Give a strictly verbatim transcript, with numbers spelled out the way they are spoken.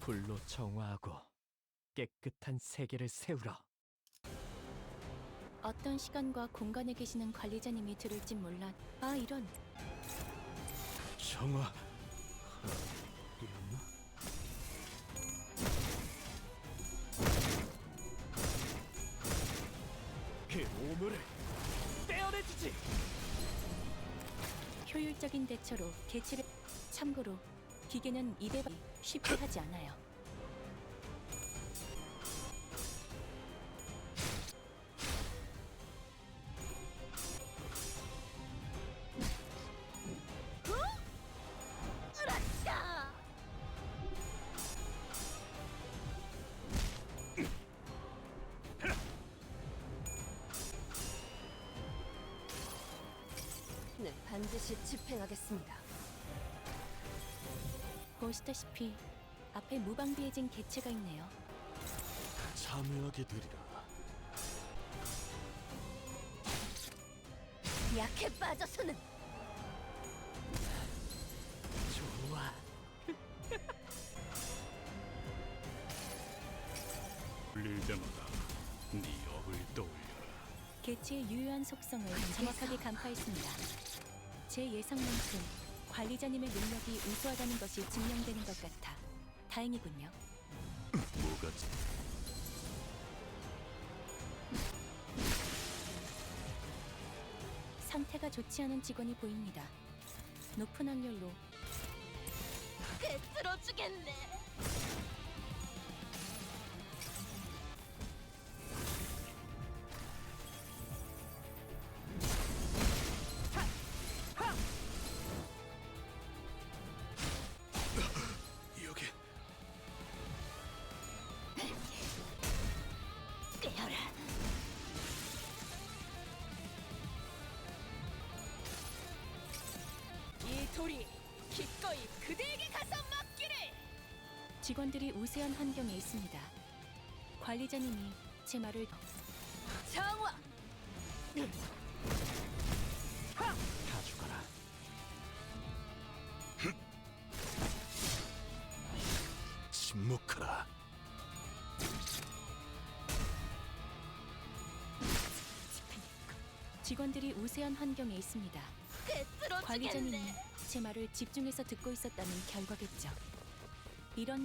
불로 정화하고 깨끗한 세계를 세우라. 어떤 시간과 공간에 계시는 관리자님이 들을진 몰라. 아, 이런. 정화. 이었나? 그 오물을 떼어내주지. 효율적인 대처로 개체를. 참고로 기계는 이대박 쉽게 하지 않아요. 네, 반드시 집행하겠습니다. 보시다시피 앞에 무방비해진 개체가 있네요. 참여하게 되리라. 약해 빠져서는 좋아. 울릴 때마다 네 업을 떠올려라. 개체의 유효한 속성을 정확하게 간파했습니다. 제 예상만큼 관리자님의 능력이 우수하다는 것이 증명되는 것 같아 다행이군요. 뭐가 상태가 좋지 않은 직원이 보입니다. 높은 확률로 들어주겠네. 여기 깨어라. 이 돌이 기꺼이 그대에게 가서 맡기를. 직원들이 우세한 환경에 있습니다. 관리자님이 제 말을 정화. 다 죽어라. 침묵하라. 직원들이 우세한 환경에 있습니다. 관리자님이 제 말을 집중해서 듣고 있었다는 결과겠죠. 이런